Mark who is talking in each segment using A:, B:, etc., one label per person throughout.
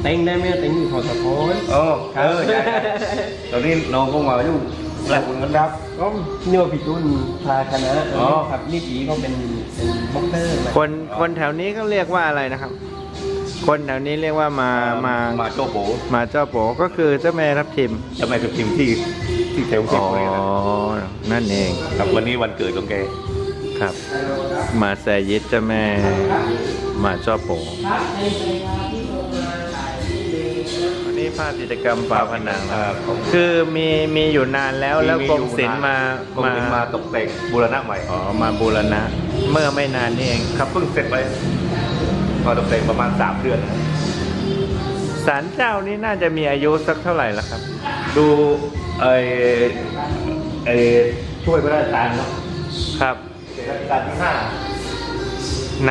A: ต็งได้ไหมเต็งอยู่พอสะพอน
B: ตอนนี้น้องก็มาอยู่หลายคนกันครับ
A: ก็นี่ว่าพี่ตุ้นพาคณะครับนี่ปีก็เป็นบ็อกเตอร์
C: คนแถวนี้เขาเรียกว่าอะไรนะครับ คนแถวนี้เรียกว่า
B: มาโจ้โบ
C: มาเจ้าโปก็คือเจ้าแม่ทับทิม
B: จะไม่กับทีมที่เทลเซ็ตเลยนะ
C: นั่นเอง
B: ครับวันนี้วันเกิดของแก
C: ครับ มาแซยิดเจ้าแม่มาเจ้าโปวันนี้ภาพกิจกรรมฝาผนังนะครับคือมีอยู่นานแล้วกรมศิลป์
B: มาตกแต่งบูรณะใหม่
C: มาบูรณะเมื่อไม่นานนี่เอง
B: ครับเพิ่งเสร็จไปมาตกแต่งประมาณ3 เดือน
C: ศาลเจ้านี่น่าจะมีอายุสักเท่าไหร่แล้วครับ
B: ดูช่วยพระราชทานเนาะ
C: ครับ
B: รัชกาลที่
C: ไหน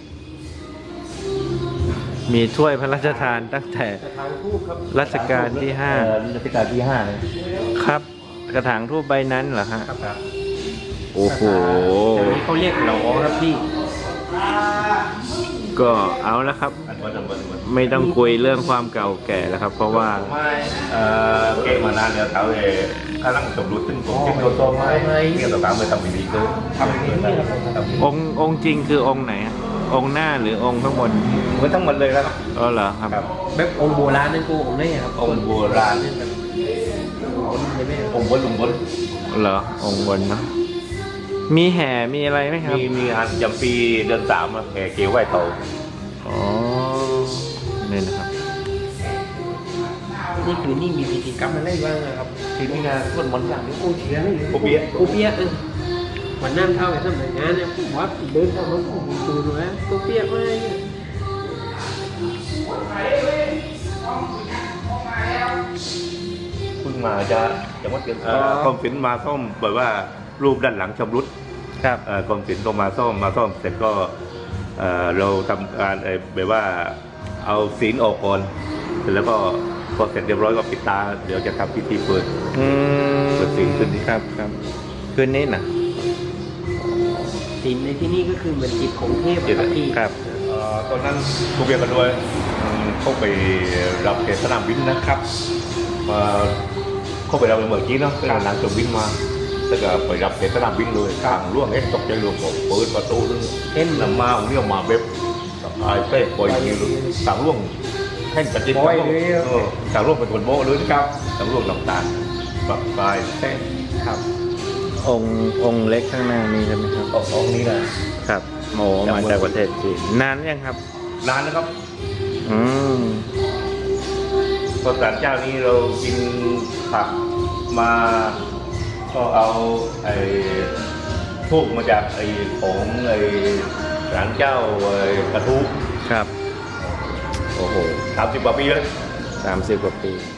C: มีถ้วยพระราชทานตั้งแต่
A: ทางทูบครับ
C: รัชกาลที่
B: รัชกาลที่5เลย
C: 5ครับ กระถางทูบใบนั้นเหรอฮะ
A: ครับ
C: โอ้โห
A: แต่นี้เขาเรียกหลอครับพี่
C: ก็เอาแล้วครับ ไม่ต้องคุยเรื่องความเก่าแก่แล้วครับ เพราะว่า
B: เกมมานานแล้วเขาข้าร่างสมรู้ซึ่งผมเก็บโดนตัวไม้เนี่ยต่างๆไปทำดีๆคือทำดีๆ
C: องค์จริงคือองค์ไหนฮะองค์หน้าหรือองค์ข้างบน
B: เหมือนทั้งหมดเลยครับ
C: อ๋อเหรอครับ
A: แบบองค์โบราณนั่นกูองค์ไหนครับ
B: องค์โบราณ องค์บนลุงบน
C: เหรอองค์บนเนาะมีแห่มีอะไรไหมครับ
B: มีงานยำปีเดือน3แห่เกลียวไหว้เต่า
C: อ๋อนี่นะครับ
A: นี่คือนี่มีพิธีกรรมอะไรบ้างครับ
B: ที่มีงานสวดมนต์อย่างนี้
A: โอ้เชียร์นี่
B: โอเปี๊ยะ
A: โอเปี๊ยะวันน้ำเท่าไอ้สมัยงานเนี่ยผมว่าเดินเข้ามาผมดูดูนะโอเปี๊ยะมาเนี่ย
B: เพิ่งมาจะวัดเดือนกรมศิลป์มาซ่อมแบบว่ารูปด้านหลังชำรุด
C: ครับ
B: กรมศิลป์ก็มาซ่อมเสร็จก็เราทำการแบบว่าเอาศีลออกก่อนเสร็จแล้วก็พอเสร็จเรียบร้อยก็ปิดตาเดี๋ยวจะทำพิธีเปิดศีลขึ้นนี้
C: ครับคืนนี้นะ
A: ศีลในที่นี่ก็คือเหมือนจิตของเทพครับพี่
C: ครับ
B: ตอนนั้นกูเบียร์กันด้วยเข้าไปรับเทศนามบินนะครับมาเข้าไปรับเมื่อกี้เนาะเป็นนางจมบินมาแล้วก็ไปรับเทศนามบินเลยข้างล่วงตกใจรวมผมเปิดประตูเห็นนำมาผมเนี่ยมาเว็บเต้ปล่อยอย่างนี้ต่างล่วงแข่งกันจริงต่างล่วงเป็นคนโบ้เลยครับต่างล่วงต่างๆแบบปลายเต้
A: ครับ
C: องค์เล็กข้างหน้านี้ใช่ไหมครับ
B: องค์นี้นะ
C: ครับโมมาจากประเทศจีนนานยังครับ
B: นานนะครับ
C: อืม
B: ตอนศาลเจ้านี้เรากินผักมาก็เอาพวกมาจากของศาลเจ้ากระทู้
C: ครับ โอ้โห
B: 30 กว่าปีแล้ว
C: 30 กว่าปี